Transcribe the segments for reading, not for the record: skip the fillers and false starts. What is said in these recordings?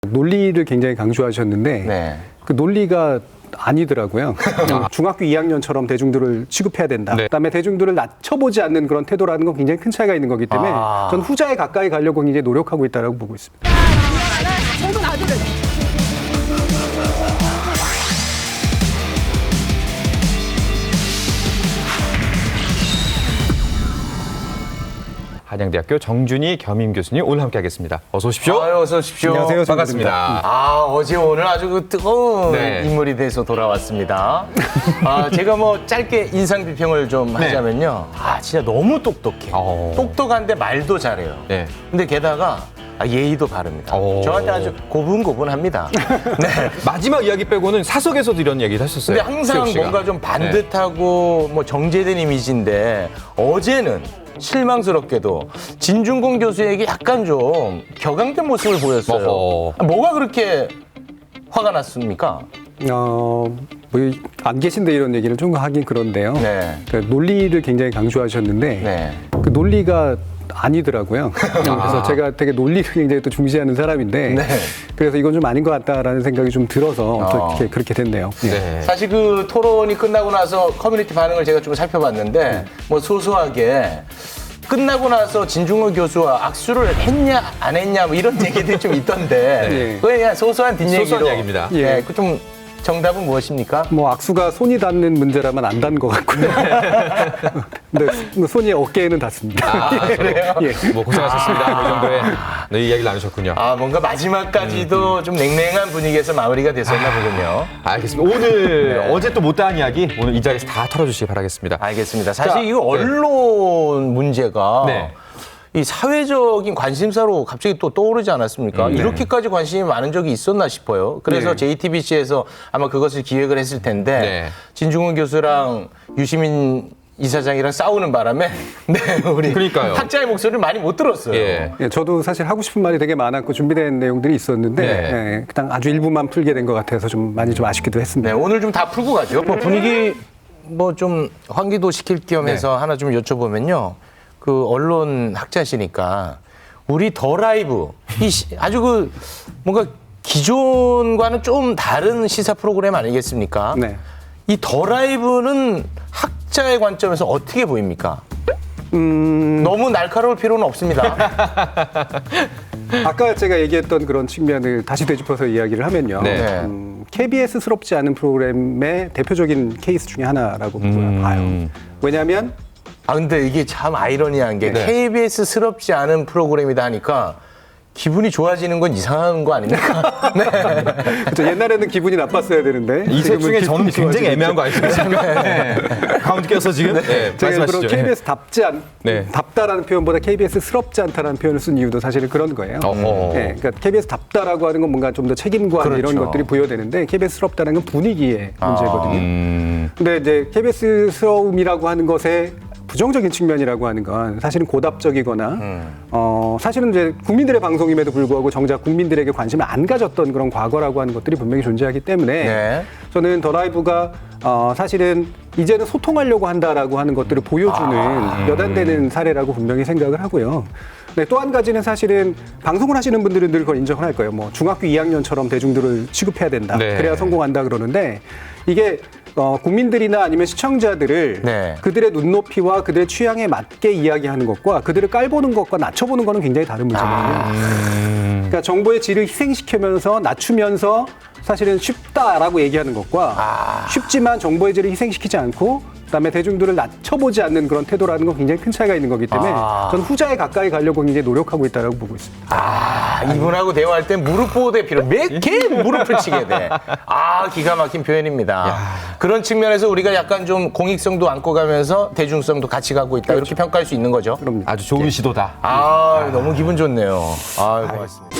논리를 굉장히 강조하셨는데 네. 그 논리가 아니더라고요. 중학교 2학년처럼 대중들을 취급해야 된다. 네. 그다음에 대중들을 낮춰보지 않는 그런 태도라는 건 굉장히 큰 차이가 있는 거기 때문에 전 후자에 가까이 가려고 굉장히 노력하고 있다고 보고 있습니다. 한양대학교 정준희 겸임 교수님 오늘 함께하겠습니다. 어서 오십시오. 아유, 어서 오십시오. 안녕하세요. 반갑습니다. 어제 오늘 아주 그 뜨거운 네. 인물이 돼서 돌아왔습니다. 제가 뭐 짧게 인상 비평을 좀 하자면요. 진짜 너무 똑똑해. 똑똑한데 말도 잘해요. 네. 근데 게다가 예의도 바릅니다. 저한테 아주 고분고분합니다. 네. 마지막 이야기 빼고는 사석에서도 이런 얘기를 하셨어요. 근데 항상 수혁 씨가. 뭔가 좀 반듯하고 뭐 정제된 이미지인데 어제는 실망스럽게도 진중권 교수에게 약간 좀 격앙된 모습을 보였어요. 뭐가 그렇게 화가 났습니까? 안 계신데 이런 얘기를 좀 하긴 그런데요. 네. 그 논리를 굉장히 강조하셨는데 네. 그 논리가 아니더라고요. 그래서 제가 되게 논리를 굉장히 또 중시하는 사람인데 네. 그래서 이건 좀 아닌 것 같다라는 생각이 좀 들어서 또 그렇게 됐네요. 예. 네. 사실 그 토론이 끝나고 나서 커뮤니티 반응을 제가 좀 살펴봤는데 뭐 소소하게 끝나고 나서 진중권 교수와 악수를 했냐 안 했냐 뭐 이런 얘기들이 좀 있던데 네. 그게 그냥 소소한 뒷얘기로 소소한 이야기입니다. 예, 그 좀 정답은 무엇입니까? 뭐 악수가 손이 닿는 문제라면 안 닿는 것 같고요. 근데 뭐 손이 어깨에는 닿습니다. 그래요? 예. 뭐 고생하셨습니다. 이 정도의 네, 이야기를 나누셨군요. 뭔가 마지막까지도 좀 냉랭한 분위기에서 마무리가 됐었나 보군요. 알겠습니다. 오늘 어제 또 못다한 이야기 오늘 이 자리에서 다 털어주시기 바라겠습니다. 알겠습니다. 사실 자, 이 언론 문제가 네. 이 사회적인 관심사로 갑자기 또 떠오르지 않았습니까? 이렇게까지 관심이 많은 적이 있었나 싶어요. 그래서 네. JTBC에서 아마 그것을 기획을 했을 텐데 네. 진중권 교수랑 유시민 이사장이랑 싸우는 바람에 우리 그러니까요. 학자의 목소리를 많이 못 들었어요. 예. 예, 저도 사실 하고 싶은 말이 되게 많았고 준비된 내용들이 있었는데 네. 예, 그냥 아주 일부만 풀게 된 것 같아서 좀 많이 좀 아쉽기도 했습니다. 네, 오늘 좀 다 풀고 가죠. 뭐 분위기 뭐 좀 환기도 시킬 겸 해서 하나 좀 여쭤보면요. 그 언론 학자시니까 우리 더 라이브 아주 그 뭔가 기존과는 좀 다른 시사 프로그램 아니겠습니까? 네. 이 더 라이브는 학자의 관점에서 어떻게 보입니까? 너무 날카로울 필요는 없습니다. 아까 제가 얘기했던 그런 측면을 다시 되짚어서 이야기를 하면요. 네. KBS스럽지 않은 프로그램의 대표적인 케이스 중에 하나라고 봐요. 왜냐하면 근데 이게 참 아이러니한 게 KBS스럽지 않은 프로그램이다 하니까 기분이 좋아지는 건 이상한 거 아닙니까? 네. 그렇죠. 옛날에는 기분이 나빴어야 되는데 이 셋 중에 지금은 저는 기분이 굉장히 좋아지겠죠. 애매한 거 아니겠습니까? 네. 가운데 껴서 지금 네. 제가 일부러 말씀하시죠. KBS 네. 답다라는 표현보다 KBS스럽지 않다라는 표현을 쓴 이유도 사실은 그런 거예요. 네, 그러니까 KBS 답다라고 하는 건 뭔가 좀 더 책임감 이런 그렇죠. 것들이 부여되는데 KBS스럽다는 건 분위기의 문제거든요. 근데 이제 KBS스러움이라고 하는 것에 부정적인 측면이라고 하는 건 사실은 고답적이거나 사실은 이제 국민들의 방송임에도 불구하고 정작 국민들에게 관심을 안 가졌던 그런 과거라고 하는 것들이 분명히 존재하기 때문에 저는 더 라이브가 사실은 이제는 소통하려고 한다라고 하는 것들을 보여주는 여단되는 사례라고 분명히 생각을 하고요. 네, 또 한 가지는 사실은 방송을 하시는 분들은 늘 그걸 인정을 할 거예요. 뭐 중학교 2학년처럼 대중들을 취급해야 된다. 네. 그래야 성공한다 그러는데 이게 국민들이나 아니면 시청자들을 그들의 눈높이와 그들의 취향에 맞게 이야기하는 것과 그들을 깔보는 것과 낮춰보는 것은 굉장히 다른 문제거든요. 그러니까 정보의 질을 희생시키면서 낮추면서 사실은 쉽다라고 얘기하는 것과 쉽지만 정보의 질을 희생시키지 않고 그다음에 대중들을 낮춰보지 않는 그런 태도라는 건 굉장히 큰 차이가 있는 거기 때문에 저는 후자에 가까이 가려고 굉장히 노력하고 있다고 보고 있습니다. 이분하고 대화할 때 무릎 보호대 필요 몇 개 무릎을 치게 돼. 기가 막힌 표현입니다. 그런 측면에서 우리가 약간 좀 공익성도 안고 가면서 대중성도 같이 가고 있다. 이렇게 평가할 수 있는 거죠. 그럼요. 아주 좋은 시도다. 너무 기분 좋네요. 고맙습니다.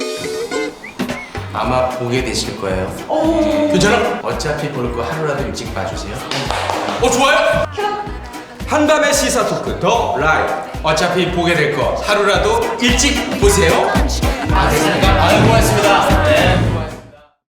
아마 보게 되실 거예요. 괜찮아? 어차피 볼 거 하루라도 일찍 봐주세요. 좋아요? 한밤의 시사 토크 더 라이브. 어차피 보게 될 거 하루라도 일찍 보세요. 됐습니까? 고맙습니다. 네.